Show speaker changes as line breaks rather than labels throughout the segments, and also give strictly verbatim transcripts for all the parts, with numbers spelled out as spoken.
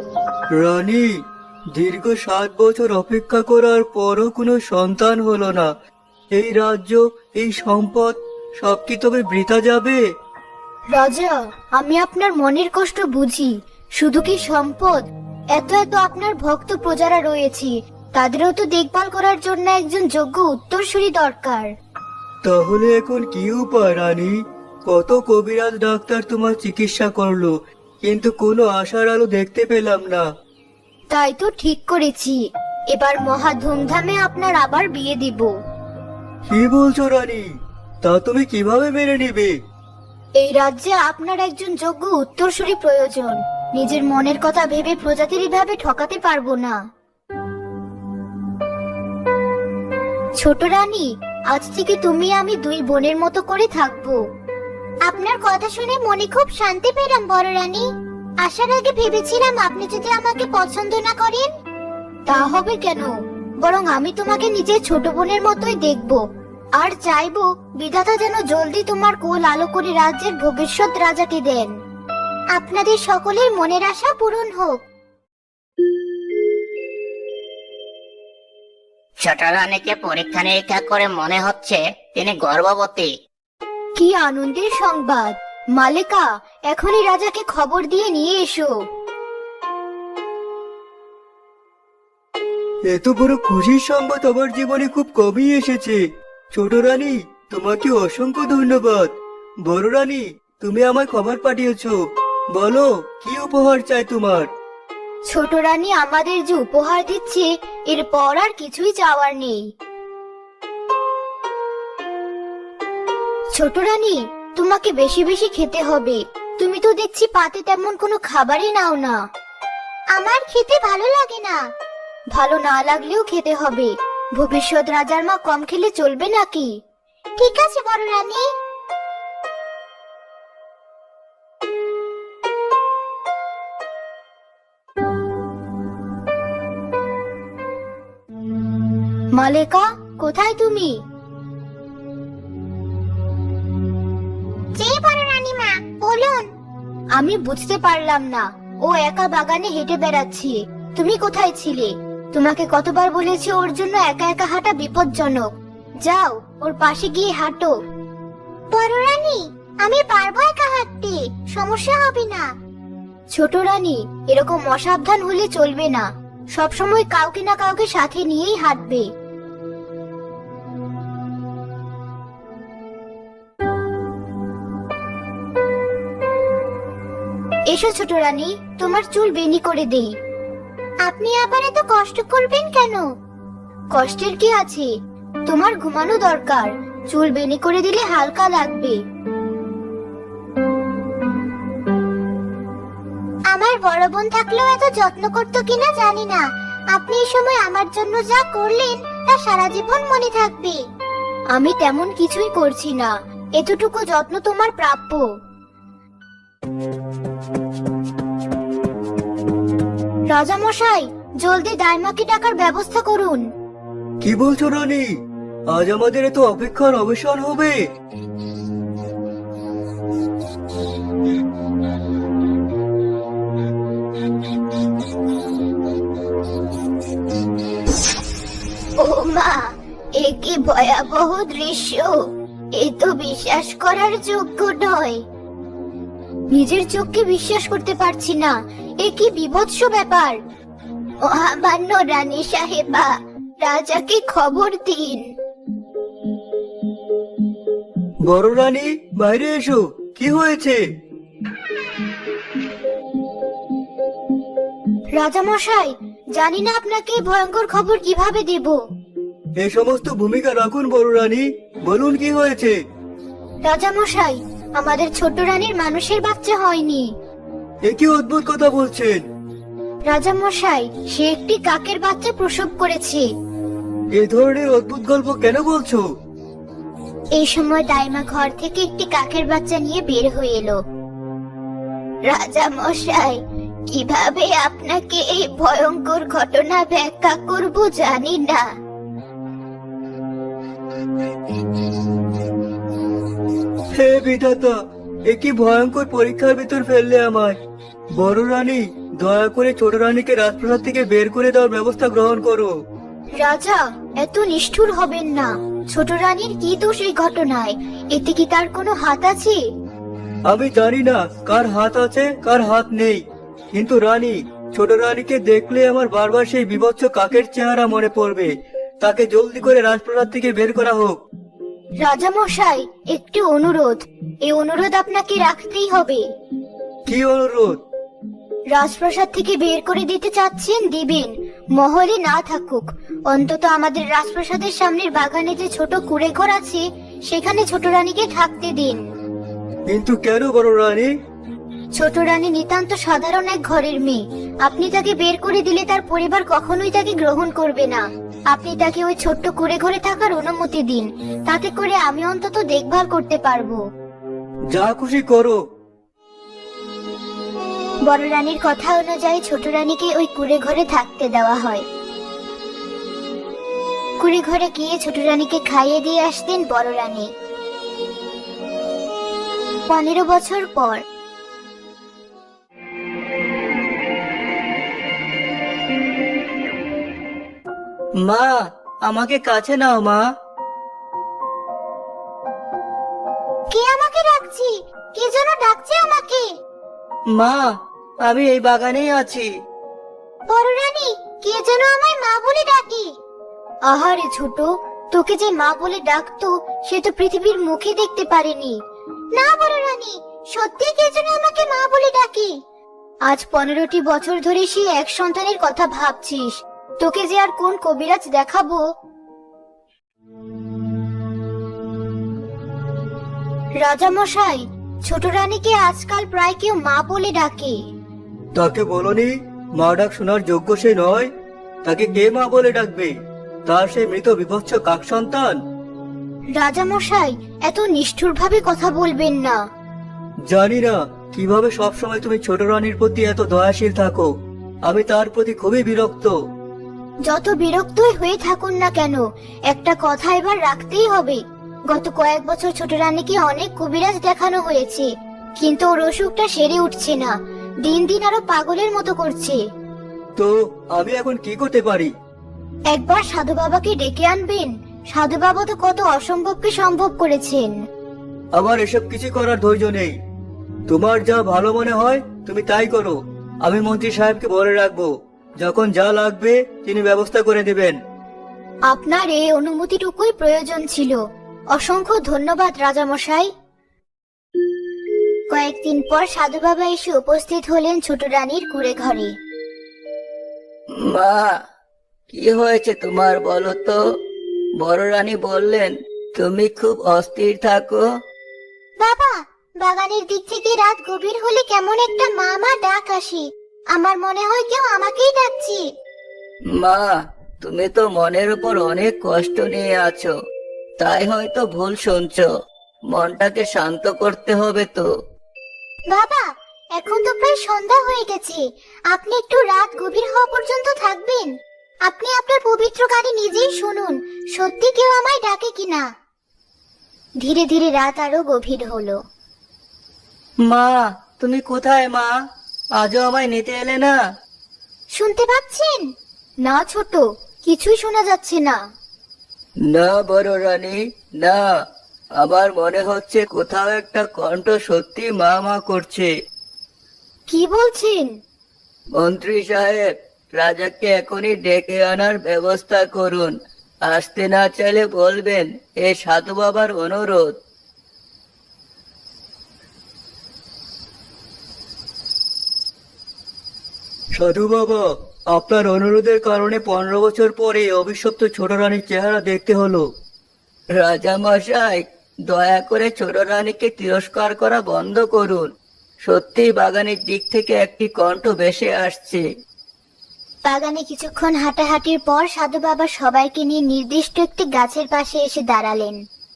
রানী, দীর্ঘ সাত বছর অপেক্ষা করার পরও কোনো সন্তান হলো না। এই রাজ্য, এই সম্পদ সব কি তবে বৃথা যাবে?
রাজা, আমি আপনার মনের কষ্ট বুঝি। শুধু কি সম্পদ, এত এত আপনার ভক্ত প্রজারা রয়েছে, তাদেরও তো দেখভাল করার জন্য একজন যোগ্য উত্তরসূরি দরকার।
তাহলে এখন কি উপায় রানী? কত কবিরাজ ডাক্তার তোমার চিকিৎসা করলো, কিন্তু কোনো আশার আলো দেখতে পেলাম না।
তাই তো ঠিক করেছি, এবার মহা ধুমধামে আপনার আবার বিয়ে দিব।
কি বলছো রানী? তা তুমি কিভাবে মেনে নিবে?
এই রাজ্যে আপনার একজন যোগ্য উত্তরসূরি প্রয়োজন। নিজের মনের কথা ভেবে প্রজাতির ভাবে ঠকাতে পারবো না। ছোট রানী, আজ থেকে তুমি আমি দুই বোনের মতো করে থাকবো। আপনার কথা শুনে মনে খুব শান্তি পেলাম বড় রানী। আসার আগে ভেবেছিলাম আপনি যদি আমাকে পছন্দ না করেন। তা হবে কেন, বরং আমি তোমাকে নিজের ছোট বোনের মতোই দেখবো। আর চাইবো বিধাতা যেন জলদি তোমার কোল আলো করে রাজ্যের ভবিষ্যৎ রাজাকে দেন। আপনাদের সকলের মনের আশা পূরণ হোক।
ছোট রানীকে পরীক্ষা নিরীক্ষা করে মনে হচ্ছে তিনি গর্ভবতী।
কি আনন্দের সংবাদ! মালেকা, এখনই রাজাকে খবর দিয়ে নিয়ে এসো।
এত বড় খুশির সংবাদ আমার জীবনে খুব কমই এসেছে। ছোট রানী, তোমাকে অসংখ্য ধন্যবাদ। বড় রানী, তুমি আমায় খবর পাঠিয়েছো, বলো কি উপহার চাই তোমার?
ছোট রানী আমাদের যে উপহার দিচ্ছে, এরপর আর কিছুই চাওয়ার নেই। ছোট রানী, তোমাকে বেশি বেশি খেতে হবে। তুমি তো দেখছি পাতে তেমন কোনো খাবারই নাও না। আমার খেতে ভালো লাগে না। ভালো না লাগলেও খেতে হবে। ভবিষ্যৎ রাজার মা কম খেলে চলবে নাকি? ঠিক আছে বড় রানী। মালেকা, কোথায় তুমি? বলুন। আমি বুঝতে পারলাম না, ও একা বাগানে হেঁটে বেড়াচ্ছে। তুমি কোথায় ছিলে? তোমাকে কতবার বলেছি ওর জন্য একা একা হাঁটা বিপজ্জনক। যাও, ওর পাশে গিয়ে হাঁটো। বড় রানী, আমি পারবো একা হাঁটতে, সমস্যা হবে না। ছোট রানী, এরকম অসাবধান হলে চলবে না। সবসময় কাউকে না কাউকে সাথে নিয়েই হাঁটবে। এসো ছোট রানী, তোমার চুল বেনি করে দেই। আপনি আবার এত কষ্ট করবেন কেন? কষ্টের কি আছে, তোমার ঘুমানো দরকার। চুল বেনি করে দিলে হালকা লাগবে। আমার বড় বোন থাকলেও এত যত্ন করতো কিনা জানি না। আপনি এই সময় আমার জন্য যা করলেন তা সারা জীবন মনে থাকবে। আমি তেমন কিছুই করছি না, এতটুকু যত্ন তোমার প্রাপ্য। রাজা মশাই, জলদি দাইমাকে ডাকার ব্যবস্থা করুন।
কি বলছো রানী? আজ আমাদের এত অপেক্ষার অবসান হবে?
ও মা, এ কি ভয়াবহ দৃশ্য! এ তো বিশ্বাস করার যোগ্য নয়। নিজের চোখকে বিশ্বাস করতে পারছি না। এ কি বিভৎস ব্যাপার! মহামান্য রানী সাহেবা, রাজাকে খবর দিন।
বড় রানী, বাইরে এসো, কি হয়েছে?
রাজা মশাই, জানি না আপনাকে এই ভয়ঙ্কর খবর কিভাবে দেব।
এই সমস্ত ভূমিকা রাখুন বড় রানী, বলুন কি হয়েছে?
রাজা মশাই, আমাদের ছোট রানীর মানুষের বাচ্চা হয়নি।
এ কি অদ্ভুত কথা বলছেন?
রাজা মশাই, সে একটি কাকের বাচ্চা প্রসব করেছে।
এ ধরনের অদ্ভুত গল্প কেন বলছো?
এই সময় দাইমা ঘর থেকে একটি কাকের বাচ্চা নিয়ে বের হয়ে এলো। রাজা মশাই, কিভাবে আপনাকে এই ভয়ঙ্কর ঘটনা ব্যাখ্যা করব জানি না।
হে বিধাতা, এ কি ভয়ঙ্কর পরীক্ষার ভিতর ফেললে আমায়। বড় রানী, দয়া করে ছোট রানীকে রাজপ্রাসাদ থেকে বের করে দেওয়ার ব্যবস্থা গ্রহণ করো।
রাজা, এত নিষ্ঠুর হবেন না। ছোট রানীর কি দোষ এই ঘটনায়? এতে কি তার কোনো হাত আছে?
আমি জানি না কার হাত আছে কার হাত নেই, কিন্তু রানী, ছোট রানীকে দেখলে আমার বারবার সেই বিভৎস কাকের চেহারা মনে পড়বে। তাকে জলদি করে রাজপ্রাসাদ থেকে বের করা হোক।
রাজা মশাই, একটি অনুরোধ। এই অনুরোধ আপনাকে রাখতেই হবে।
কি অনুরোধ?
রাজপ্রাসাদ থেকে বের করে দিতে চাচ্ছেন, দিবেন। মহলে না থাকুক, অন্তত আমাদের রাজপ্রাসাদের সামনের বাগানে যে ছোট কুঁড়ে ঘর আছে সেখানে ছোট রানীকে থাকতে দিন।
কিন্তু কেন বড় রানী?
ছোট রানী নিতান্ত সাধারণ এক ঘরের মেয়ে। আপনি তাকে বের করে দিলে তার পরিবার কখনোই তাকে গ্রহণ করবে না। আপনি তাকে ওই ছোট্ট কুঁড়ে ঘরে থাকার অনুমতি দিন, তাতে করে আমি অন্তত দেখভাল করতে পারবো।
যা খুশি করো।
বড় রানীর কথা অনুযায়ী ছোট রানীকে ওই কুঁড়ে ঘরে থাকতে দেওয়া হয়। কুঁড়ে ঘরে গিয়ে ছোট রানীকে খাইয়ে দিয়ে আসতেন বড় রানী। পনেরো বছর পর
মা, আমাকে কাছে নাও মা।
কে আমাকে ডাকছি? কে যেন ডাকছে আমাকে।
মা, আমি এই বাগানেই আছি।
বড় রানী, কে যেন আমায় মা বলে ডাকে। আহারে ছোট, তোকে যে মা বলে ডাকতো সে তো পৃথিবীর মুখে দেখতে পারেনি। না বড় রানী, সত্যি কে যেন আমাকে মা বলে ডাকে। আজ পনেরোটি বছর ধরে সে এক সন্তানের কথা ভাবছিস। তোকে যে আর কোন কবিরাজ দেখাবো। রাজা মশাই, ছোট রানীকে আজকাল প্রায় কেউ মা বলে ডাকে।
তাকে বলনি মা ডাক শোনার যোগ্য সে নয়? তাকে কে মা বলে ডাকবে? তার সেই মৃত বিভৎস কাক সন্তান।
রাজা মশাই, এত নিষ্ঠুর ভাবে কথা বলবেন না।
জানি না কিভাবে সবসময় তুমি ছোট রানীর প্রতি এত দয়াশীল থাকো। আমি তার প্রতি খুবই বিরক্ত।
যত বিরক্তই হয়ে থাকুন না কেন, একটা কথা এবার রাখতেই হবে। গত কয়েক বছর ছোট রানীকে অনেক কবিরাজ দেখানো হয়েছে, কিন্তু ওর অসুখটা সেরে উঠছে না। দিন দিন আরো পাগলের মতো করছে।
তো আমি এখন কি করতে পারি?
একবার সাধু বাবাকে ডেকে আনবেন। সাধু বাবা তো কত অসম্ভবকে সম্ভব করেছেন।
আমার এসব কিছু করার ধৈর্য নেই। তোমার যা ভালো মনে হয় তুমি তাই করো। আমি মন্ত্রী সাহেবকে বলে রাখবো, যখন যা লাগবে তিনি ব্যবস্থা করে দেবেন।
আপনার এই অনুমতিটুকুই প্রয়োজন ছিল। অসংখ্য ধন্যবাদ রাজামশাই। কয়েকদিন পর সাধু বাবা এসে উপস্থিত হলেন ছোট রানীর কুঁড়ে ঘরে।
মা, কি হয়েছে তোমার বলো তো? বড় রানী বললেন তুমি খুব অস্থির থাকো।
বাবা, বাগানের দিক থেকে রাত গভীর হলে কেমন একটা মা মা ডাক আসে। আমার মনে হয় কেউ আমাকেই ডাকছে।
মা, তুমি তো মনের উপর অনেক কষ্ট নিয়ে আছো, তাই হয়তো ভুল শুনছো। মনটাকে শান্ত করতে হবে তো।
বাবা, এখন তো প্রায় সন্ধ্যা হয়ে গেছে। আপনি একটু রাত গভীর হওয়া পর্যন্ত থাকবেন। আপনি আপনার পবিত্র কানে নিজেই শুনুন, সত্যি কেউ আমায় ডাকে কিনা। ধীরে ধীরে রাত আরো গভীর হলো।
মা, তুমি কোথায় মা? আজও আমায় নিতে এলে না?
শুনতে পাচ্ছেন? না ছোট, কিছুই শোনা যাচ্ছে না।
না বড় রানী, না। আমার মনে হচ্ছে কোথাও একটা কণ্ঠ সত্যি মা মা করছে।
কি বলছেন?
মন্ত্রী সাহেব, রাজাকে এখনই ডেকে আনার ব্যবস্থা করুন। আসতে না চাইলে বলবেন এ সাধু বাবার অনুরোধ। সাধু বাবা, আপনার অনুরোধের কারণে পনেরো বছর পরে অভিশপ্ত ছোট রানীর চেহারা দেখতে হলো। রাজা মশাই, দয়া করে ছোট রানীকে তিরস্কার করা বন্ধ করুন। সত্যি বাগানের দিক থেকে একটি কণ্ঠ ভেসে আসছে।
বাগানে কিছুক্ষণ হাঁটাহাঁটির পর সাধু বাবা সবাইকে নিয়ে নির্দিষ্ট একটি গাছের পাশে এসে দাঁড়ালেন।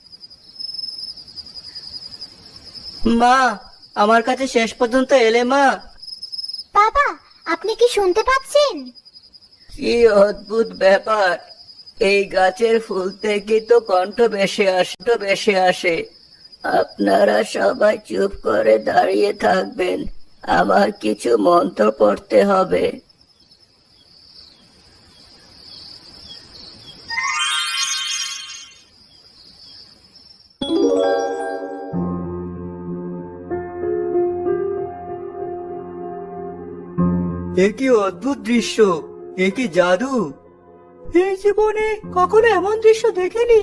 মা, আমার কাছে শেষ পর্যন্ত এলে মা।
বাবা, আপনি কি শুনতে পাচ্ছেন?
কি অদ্ভুত ব্যাপার! এই গাছের ফুল থেকে তো কণ্ঠ ভেসে আসে ভেসে আসে। আপনারা সবাই চুপ করে দাঁড়িয়ে থাকবেন।
আমার কিছু মন্ত্র পড়তে হবে।
এ কি অদ্ভুত দৃশ্য, এ কি জাদু! এই জীবনে কখনো এমন দৃশ্য দেখিনি।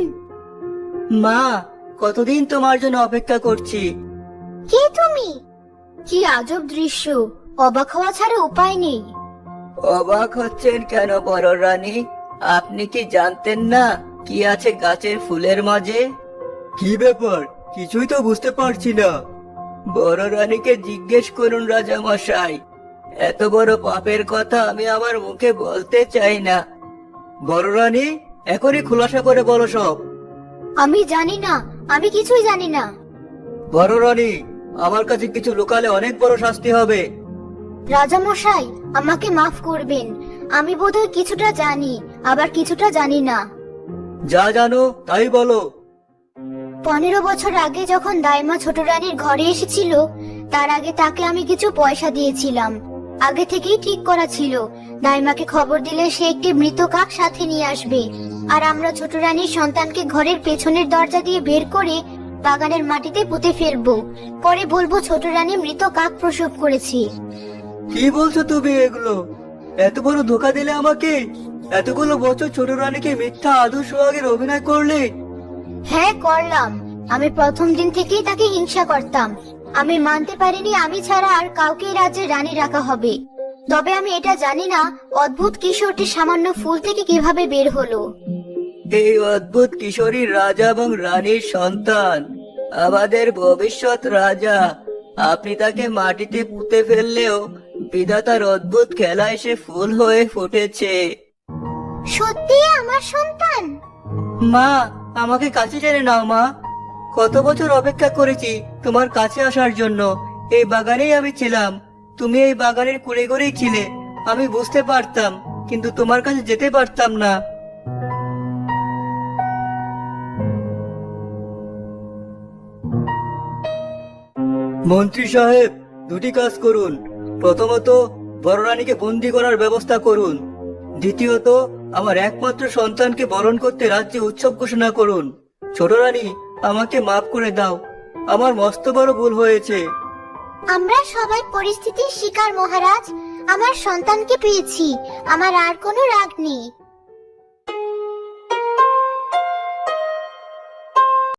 মা, কতদিন তোমার জন্য অপেক্ষা করছি।
কে তুমি? কি আজব দৃশ্য, অবাক হওয়া ছাড়া উপায় নেই।
অবাক হচ্ছেন কেন বড় রানী? আপনি কি জানতেন না কি আছে গাছের ফুলের মাঝে? কি ব্যাপার, কিছুই তো বুঝতে পারছি না। বড় রানীকে জিজ্ঞেস করুন রাজা মশাই। এত বড় পাপের কথা আমি আমার মুখে বলতে চাই না। বড় রানী, এখনই খোলাসা করে বলো সব।
আমি জানি না, আমি কিছুই জানি না।
বড় রানী, আমার কাছে কিছু লুকালে অনেক বড় শাস্তি হবে।
রাজা মশাই, আমাকে মাফ করবেন। আমি বোধহয় কিছুটা জানি, আবার কিছুটা জানি না।
যা জানো তাই বলো।
পনেরো বছর আগে যখন দাইমা ছোট রানীর ঘরে এসেছিল, তার আগে তাকে আমি কিছু পয়সা দিয়েছিলাম। আগে থেকেই ঠিক করা ছিল, দাইমাকে খবর দিলে সে একটি মৃত কাক সাথে নিয়ে আসবে, আর আমরা ছোট রানীর সন্তানকে ঘরের পেছনের দরজা দিয়ে বের করে বাগানের মাটিতে পুঁতে ফেলবো। পরে বলবো ছোট রানী মৃত কাক প্রসব করেছি।
কি বলছো তুমি এগুলো? এত বড় ধোকা দিলে আমাকে? এতগুলো বছর ছোট রানীকে মিথ্যা আদর সোহাগের অভিনয় করলে?
হ্যাঁ, করলাম। আমি প্রথম দিন থেকেই তাকে হিংসা করতাম। আমি মানতে পারিনি আমি ছাড়া আর কাউকে এই রাজ্যের রানী রাখা হবে। তবে আমি এটা জানি না অদ্ভুত কিশোরটি সামান্য ফুল থেকে কিভাবে বের হলো।
এই অদ্ভুত কিশোরী রাজা এবং রানীর সন্তান, আমাদের ভবিষ্যৎ রাজা। আপনি তাকে মাটিতে পুঁতে ফেললেও বিধাতার অদ্ভুত খেলায় সে ফুল হয়ে ফুটেছে।
সত্যি আমার সন্তান?
মা, আমাকে কাছে টেনে নাও মা। কত বছর অপেক্ষা করেছি তোমার কাছে আসার জন্য। এই বাগানেই আমি ছিলাম, তুমি এই বাগানের কুড়ে করেই ছিলে। আমি বুঝতে পারতাম, কিন্তু তোমার কাছে যেতে পারতাম না। মন্ত্রী সাহেব, দুটি কাজ করুন। প্রথমত, বড় রানীকে বন্দি করার ব্যবস্থা করুন। দ্বিতীয়ত, আমার একমাত্র সন্তানকে বরণ করতে রাজ্যে উৎসব ঘোষণা করুন। ছোট রানী, আমাকে মাফ করে দাও, আমার মস্ত বড় ভুল হয়েছে।
আমরা সবাই পরিস্থিতির শিকার মহারাজ। আমার সন্তানকে পেয়েছি, আমার আর কোনো রাগ নেই।